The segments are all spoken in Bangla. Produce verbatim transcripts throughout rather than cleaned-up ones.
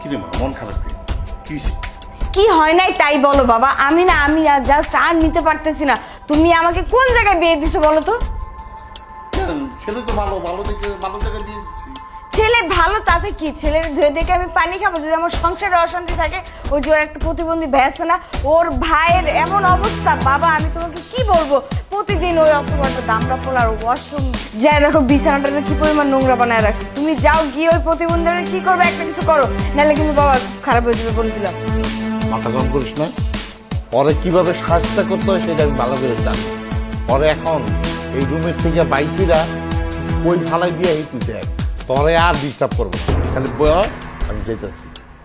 রে মা, মন খারাপ কি? কি হইছে? কি হয় নাই তাই বলো বাবা। আমি না আমি জাস্ট আর নিতে পারতেছি না। তুমি আমাকে কোন জায়গায় বিয়ে দিছো বলো তো? কেন? ছেলে তো ভালো, ভালো দেখে ভালো জায়গায় বিয়ে দিচ্ছি। ছেলে ভালো তাতে কি? ছেলের ধুয়ে দেখে আমি পানি খাবো? যদি আমার সংসারে অশান্তি থাকে, ওই যে ওর একটা প্রতিবন্ধী ভাই আছে না, ওর ভাইয়ের এমন অবস্থা বাবা, আমি তোমাকে কি বলবো, প্রতিদিন ওই অক্টোবরটা দামড়া পোলার ওয়াশরুম যাই দেখো বিছানাটা কি পরিমাণ নোংরা বানায় রাখছে। তুমি যাও গিয়ে ওই প্রতিবন্ধীরা কি করবে, একটা কিছু করো, নাহলে কিন্তু বাবা খুব খারাপ হয়ে যাবে বলে দিলাম। মাথা গরম করিস না। পরে কিভাবে সাহায্য করতে হয় সেটা আমি ভালো করে জানি। পরে এখন এই রুমের থেকে বাইকিরা ওই ফালাই দিয়ে এই তুই দেখ, পরে আর ডিস্টার্ব করবো না। খালি বয়, আমি যেতেছি।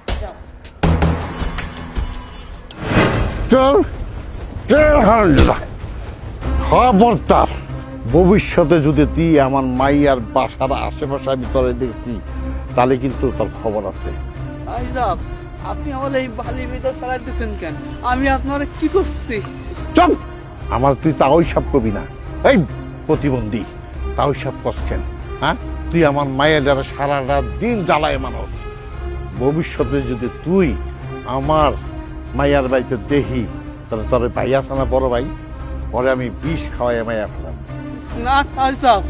চল চল হারামজাদা। খবরদার, ভবিষ্যতে যদি তুই আমার মাইয়ার বাসার আশেপাশে আমি তোরে দেখছি, তাহলে কিন্তু তোর খবর আছে। আইজাব, আপনি আমার এই বালির ভিতর ফেলাই দিচ্ছেন কেন? আমি আপনার কি করছি? চল, আমার তুই তাও সব করবি না। এই প্রতিবন্ধী, তাও সব করছেন? হ্যাঁ, তুই আমার মায়ের যারা সারা রাত দিন জ্বালায় মানুষ। ভবিষ্যতে যদি তুই আমার মাইয়ার বাড়িতে দেখি, তাহলে তোর ভাই আছে না বড় ভাই, পরে আমি বিষ খাওয়াই মাইয়া ফেলাম। না আইজাব,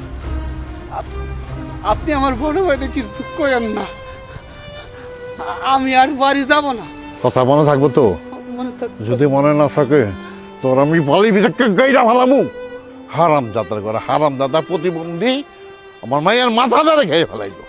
আপনি আমার বড় ভাইটা কিছু করেন না। আমি আর বাড়ি যাব না। কথা মনে থাকবো তো? মনে থাক যদি মনে না থাকে, তোর আমি বালি ভিতরে গাইরা ফেলামু। হারাম যাত্রা করে হারাম দাদা প্রতিবন্ধী আমার মাইয়ার মাথা ধরে খেয়ে ফেলাইলো।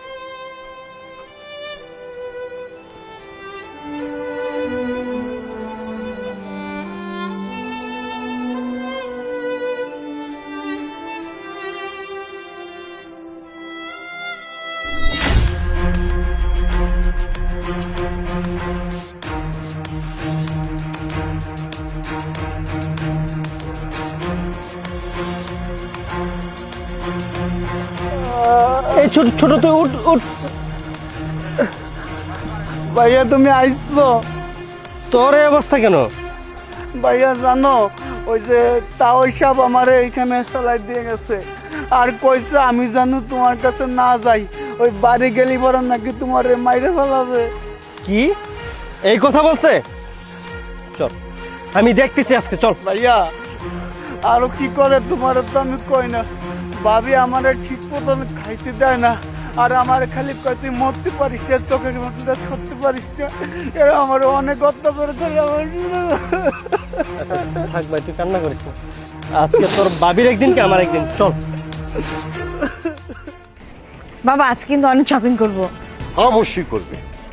এই ছোট ছোট তুই উঠ উঠ। ভাইয়া তুমি আইছো? তোর এই অবস্থা কেন? ভাইয়া জানো, ওই যে তাও সব আমার এইখানে ফেলাই দিয়ে গেছে, আর কইছে আমি জানো তোমার কাছে না যাই, ওই বাড়ি গেলি বড় নাকি তোমার মাইরে ফেলাবে। কি এই কথা বলছে? চল আমি দেখতেছি আজকে, চল। ভাইয়া আরো কি করে তোমার তো আমি কই না, ভাবি আমার ঠিক মতন খাইতে দেয় না, আর আমার খালি কয় তুই মরতে পারিস না, চোখের মতন করতে পারিস না, এরা আমার অনেক অত্যাচার করে। আমার থাক ভাই, তুই কান্না করিস না। আজকে তোর বাবির একদিন কি আমার একদিন, চল। বাবা আজ কিন্তু অনেক শপিং করবো। অবশ্যই করবে।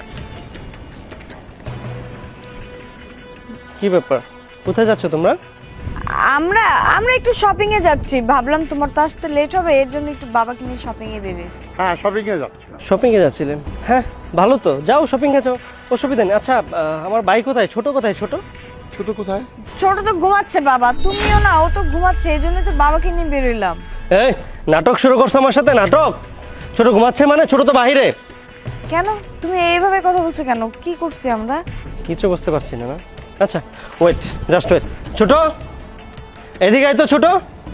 কি ব্যাপার, কোথায় যাচ্ছ তোমরা? আমরা আমরা একটু শপিং এ যাচ্ছি, ভাবলাম তোমার তো আসতে লেট হবে, এর জন্য একটু বাবাকে নিয়ে শপিং এ বেরিয়েছি। হ্যাঁ, শপিং এ যাচ্ছিলাম। শপিং এ যাচ্ছিলেন? হ্যাঁ ভালো তো, যাও শপিং এ যাও, অসুবিধা নেই। আচ্ছা আহ, আমার ভাই কোথায়, ছোট কোথায়? ছোট ছোট কোথায়? ছোট তো ঘুমাচ্ছে বাবা, তুমিও না, ও তো ঘুমাচ্ছে, এই জন্য তো বাবাকে নিয়ে বেরোইলাম। এই নাটক শুরু করছো আমার সাথে? নাটক? ছোট ঘুমাচ্ছে মানে? ছোট তো বাহিরে। কেন তুমি এইভাবে কথা বলছো কেন? কি করছি আমরা? কিছু বুঝতে পারছি না। না আচ্ছা ওয়েট, জাস্ট ওয়েট। ছোট এদিকে আয় তো। ছোট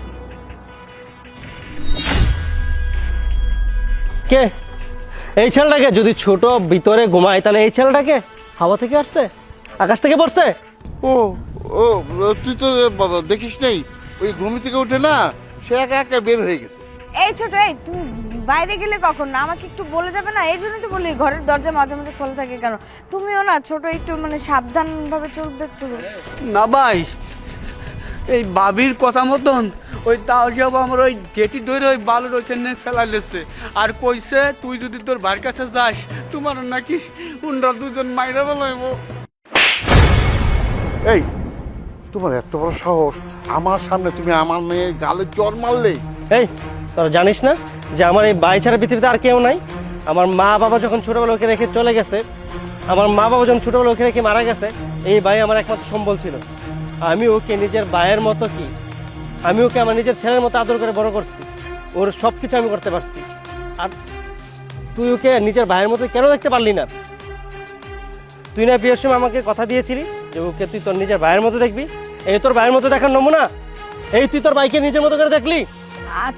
কে এই ছেলেটাকে? যদি ছোট ভিতরে ঘুমায় তাহলে এই ছেলেটাকে হাওয়া থেকে আসছে, আকাশ থেকে পড়ছে? ও ও তুই তো দেখিস নেই, ওই ঘুমি থেকে উঠে না সে একা একা বের হয়ে গেছে। এই ছোট, এই তুমি বাইরে গেলে কখন না আমাকে একটু বলে যাবে না? এই জন্যই তো বলি ঘরের দরজা মাঝে মাঝে খোলা থাকে কেন? তুমিও না ছোট, একটু মানে সাবধান ভাবে চলবে তো। না ভাই, এই বাবির কথা মতন ওই তাও সব আমার ওই গেটি ধরে ওই বালুর ওইখানে ফেলা লেছে, আর কইছে তুই যদি তোর ভাইয়ের কাছে যাস তোমার নাকি উনরা দুজন মাইরা বলাইব। এই তোমার এত বড় সাহস, আমার সামনে তুমি আমার মেয়ে গালে জ্বর মারলে? এই তোরা জানিস না যে আমার এই ভাই ছাড়া পৃথিবীতে আর কেউ নাই? আমার মা বাবা যখন ছোটবেলা ওকে রেখে চলে গেছে, আমার মা বাবা যখন ছোটবেলা ওকে রেখে মারা গেছে, এই ভাই আমার একমাত্র সম্বল ছিল। আমি ওকে নিজের ভাইয়ের মতো, কি আমি ওকে আমার নিজের ছেলের মতো আদর করে বড় করছি, ওর সব কিছু আমি করতে পারছি। আর তুই ওকে নিজের ভাইয়ের মতো কেন দেখতে পারলি না? তুই না বিয়ের সময় আমাকে কথা দিয়েছিলি যে ওকে তুই তোর নিজের ভাইয়ের মতো দেখবি। এই তোর ভাইয়ের মতো দেখার নমুনা, এই তুই তোর ভাইকে নিজের মতো করে দেখলি। আচ্ছা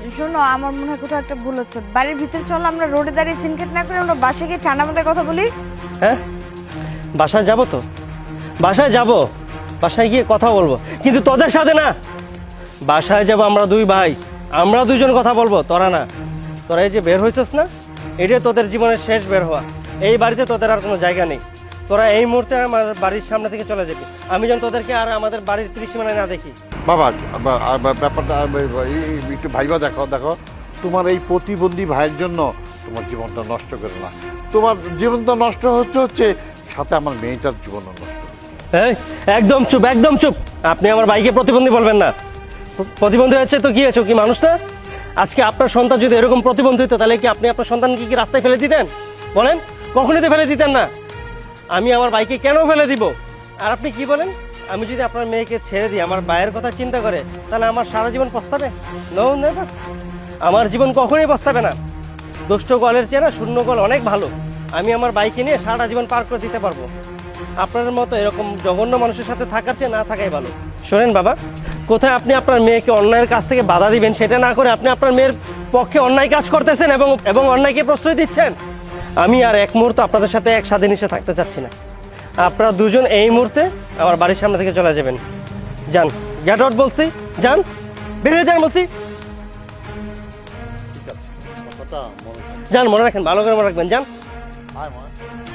শোনো, আমার মনে হয় কোথাও একটা ভুল হচ্ছে। বাড়ির ভিতরে চলো, আমরা রোডে দাঁড়িয়ে সিনকেট না করে আমরা বাসে গিয়ে ঠান্ডা মাথায় কথা বলি। হ্যাঁ, বাসায় যাব তো, বাসায় যাব, বাসায় গিয়ে কথা বলবো, কিন্তু তোদের সাথে না। বাসায় যাব আমরা দুই ভাই, আমরা দুজন কথা বলবো, তোরা না। তোরা এই যে বের হয়েছিস না, এটাই তোদের জীবনের শেষ বের হওয়া। এই বাড়িতে তোদের আর কোনো জায়গা নেই। তোরা এই মুহূর্তে আমার বাড়ির সামনে থেকে চলে যাবি। আমি যেন তোদেরকে আর আমাদের বাড়ির ত্রিসীমানায় না দেখি। বাবা বা- বা- ব্যাপারটা এই- এই- একটু ভাইবা দেখো দেখো তোমার এই প্রতিবন্ধী ভাইয়ের জন্য তোমার জীবনটা নষ্ট করে না। তোমার জীবনটা নষ্ট হচ্ছে হচ্ছে সাথে আমার মেয়েটার জীবনও নষ্ট হচ্ছে। এই একদম চুপ, একদম চুপ। আপনি আমার ভাইকে প্রতিবন্ধী বলবেন না। প্রতিবন্ধী হয়েছে তো কি হয়েছে, ও কি মানুষ না? আজকে আপনার সন্তান যদি এরকম প্রতিবন্ধী হতো, তাহলে কি আপনি আপনার সন্তানকে কি রাস্তায় ফেলে দিতেন? বলেন, কখনই তো ফেলে দিতেন না। আমি আমার ভাইকে কেন ফেলে দিব? আর আপনি কি বলেন, আমি যদি আপনার মেয়েকে ছেড়ে দিই আমার ভাইয়ের কথা চিন্তা করে, তাহলে আমার সারা জীবন পস্তাবে? নো নেভার, আমার জীবন কখনোই পস্তাবে না। দুষ্ট গলের চেয়ে না শূন্য গল অনেক ভালো। আমি আমার বাইকে নিয়ে সারা জীবন পার করে দিতে পারবো। আপনার মতো এরকম জঘন্য মানুষের সাথে থাকার চেয়ে না থাকাই ভালো। শোনেন বাবা, কোথায় আপনি আপনার মেয়েকে অন্যায়ের কাছ থেকে বাধা দিবেন সেটা না করে আপনি আপনার মেয়ের পক্ষে অন্যায় কাজ করতেছেন এবং এবং অন্যায়কে প্রশ্রয় দিচ্ছেন। আমি আর এক মুহূর্ত আপনাদের সাথে এক স্বাধীন হিসেবে থাকতে চাচ্ছি না। আপনারা দুজন এই মুহূর্তে আমার বাড়ির সামনে থেকে চলে যাবেন। যান, গেট আউট বলছি, যান, বেরিয়ে যান বলছি। ঠিক আছে কথাটা মনে যান, মনে রাখেন, ভালো করে মনে রাখবেন, যান। আয় মা